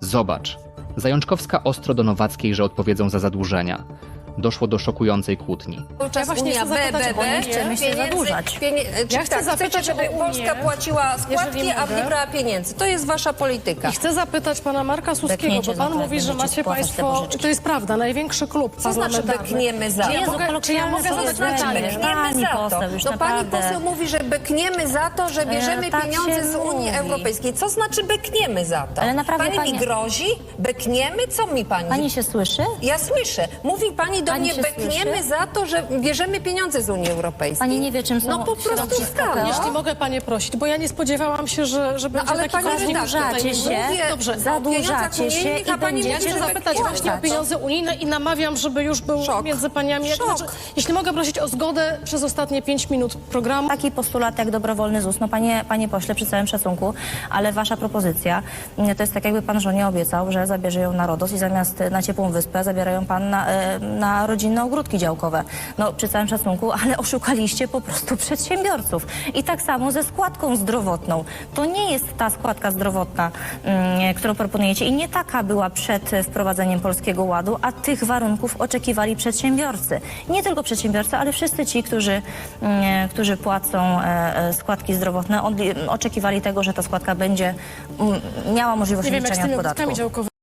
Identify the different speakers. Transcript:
Speaker 1: Zobacz. Zajączkowska ostro do Nowackiej, że odpowiedzą za zadłużenia. Doszło do szokującej kłótni.
Speaker 2: Ja właśnie chcę zapytać o Unię.
Speaker 3: Chcemy się zadłużać.
Speaker 2: Ja chcę zapytać
Speaker 4: chcecie, żeby
Speaker 2: o Unię,
Speaker 4: Polska płaciła składki,
Speaker 2: jeżeli
Speaker 4: a
Speaker 2: mogę.
Speaker 4: nie brała pieniędzy. To jest wasza polityka.
Speaker 2: I chcę zapytać pana Marka Suskiego,
Speaker 3: Bekniecie
Speaker 2: bo pan
Speaker 3: za to,
Speaker 2: mówi, że
Speaker 3: będziecie
Speaker 2: macie
Speaker 3: spłacać te
Speaker 2: państwo,
Speaker 3: pożyczki.
Speaker 2: to jest prawda, największy klub
Speaker 4: Co znaczy
Speaker 2: parlamentarny.
Speaker 4: bekniemy za?
Speaker 2: Czy ja
Speaker 3: Jezu,
Speaker 2: mogę, czy ja
Speaker 3: kolokwialne
Speaker 2: mogę
Speaker 3: słowo
Speaker 2: zadać
Speaker 3: znaczy
Speaker 2: pytanie?
Speaker 3: bekniemy.
Speaker 4: Bekniemy
Speaker 3: Pani
Speaker 4: za to.
Speaker 3: poseł, już
Speaker 4: No pani
Speaker 3: naprawdę.
Speaker 4: poseł mówi, że bekniemy za to, że bierzemy
Speaker 3: tak
Speaker 4: pieniądze
Speaker 3: się
Speaker 4: z Unii
Speaker 3: mówi.
Speaker 4: Europejskiej. Co znaczy bekniemy za to?
Speaker 3: Ale naprawdę
Speaker 4: pani mi
Speaker 3: pani-
Speaker 4: grozi? Bekniemy? Co mi pani?
Speaker 3: Pani się słyszy?
Speaker 4: Ja słyszę. Mówi pani do
Speaker 3: Pani
Speaker 4: mnie,
Speaker 3: się
Speaker 4: bekniemy
Speaker 3: słyszy?
Speaker 4: za to, że bierzemy pieniądze z Unii Europejskiej.
Speaker 3: Pani nie wie, czym są
Speaker 4: No po prostu
Speaker 3: środki
Speaker 4: skala.
Speaker 3: PKO?
Speaker 2: Jeśli mogę panie prosić, bo ja nie spodziewałam się, że będzie
Speaker 4: ale
Speaker 2: taki
Speaker 4: pani
Speaker 2: konflikt
Speaker 4: redaktor,
Speaker 2: tutaj.
Speaker 3: zadłużacie się,
Speaker 4: mówię
Speaker 2: Dobrze.
Speaker 4: o
Speaker 3: zadłużacie
Speaker 4: pieniądzach
Speaker 3: się
Speaker 4: unijnych,
Speaker 3: i
Speaker 4: a pani
Speaker 3: będziecie
Speaker 2: Ja
Speaker 4: mówi,
Speaker 2: chcę
Speaker 4: że
Speaker 2: zapytać
Speaker 4: bekniemy.
Speaker 2: właśnie o pieniądze unijne i namawiam, żeby już był
Speaker 4: Szok.
Speaker 2: między paniami.
Speaker 4: Szok.
Speaker 2: Jeśli mogę prosić o zgodę przez ostatnie 5 minut programu.
Speaker 3: Taki postulat jak dobrowolny ZUS, no panie pośle, przy całym szacunku, ale wasza propozycja to jest tak, jakby pan żonie obiecał, że zabierze ją na RODOS i zamiast na ciepłą wyspę zabierają pan na rodzinne ogródki działkowe. No przy całym szacunku, ale oszukaliście po prostu przedsiębiorców. I tak samo ze składką zdrowotną. To nie jest ta składka zdrowotna, którą proponujecie i nie taka była przed wprowadzeniem Polskiego Ładu, a tych warunków oczekiwali przedsiębiorcy. Nie tylko przedsiębiorcy, ale wszyscy ci, którzy płacą składki zdrowotne, oczekiwali tego, że ta składka będzie miała możliwość
Speaker 2: Nie wiem, jak z
Speaker 3: odliczenia
Speaker 2: tymi
Speaker 3: od podatku.
Speaker 2: ogródkami działkowymi.